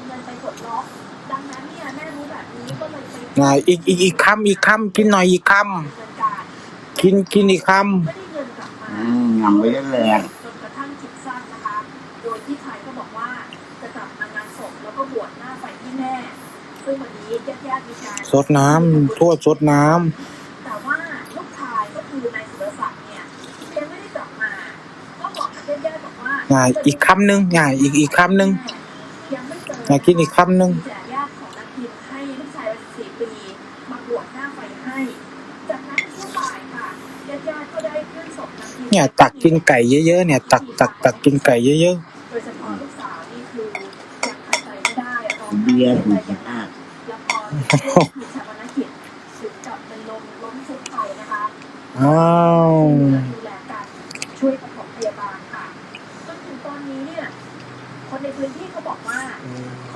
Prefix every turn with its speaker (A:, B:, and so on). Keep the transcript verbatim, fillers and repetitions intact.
A: เงินไปกดล็อกดังนั้นเนี่ยแม่รู้แบบนี้ก็เลยไป
B: อ่าอีกอีกอีกคำอีกคำกินหน่อยอีกคำกินกินอีกคำ
A: ไม่ได้เงินกลับมา
C: อืมยังไม่ได้แรง
A: จนกระทั่งคิดสั้นนะคะ โดยที่ชายก็บอกว่าจะกลับมางานศพแล้วก็บวชหน้าไฟที่แม่ซึ่งวันนี้ญาติๆมีการ
B: สดน้ำทั่วสดน้ำ
A: แต่ว่าลูกชายก็คือนายสุรศักดิ์เนี่ยยังไม่ได้กลับมาก็บอกกับญาติๆบอกว่า
B: อ่าอีกคำหนึ่งอ่าอีกอีกคำหนึ่ง
A: ยังไม่เจอ
B: อ่ากินอีกคำหนึ่ง
A: แต่ญาติของนางพิมให้ลูกชายวัยสิบสี่ปีมาบวชหน้าไฟให้จากนั้นช่วงบ่ายค่ะญาติๆก็ได้เคลื่อนศพนางพิม
B: เนี่ยตักกินไก่เยอะๆเนี่ยตักตักตักกินไก่เยอะ
A: โดยเฉพาะลูกสาวนี่คือยังหายใจไม่ได้ร้องไห้
C: เบียร์
A: เสีย
C: ถู
A: ใจ
C: ก
A: อย่างห
C: มา
A: นั
C: ก
A: กแล้วพอถูกชาปนกิจถึงกับเป็นลมล้มฟุบไปนะคะ
B: ๆอ้าว
A: ดูแลกันช่วยปฐมพยาบาลค่ะจนถึงตอนนี้เนี่ยคนในพื้นที่เขาบอกว่าข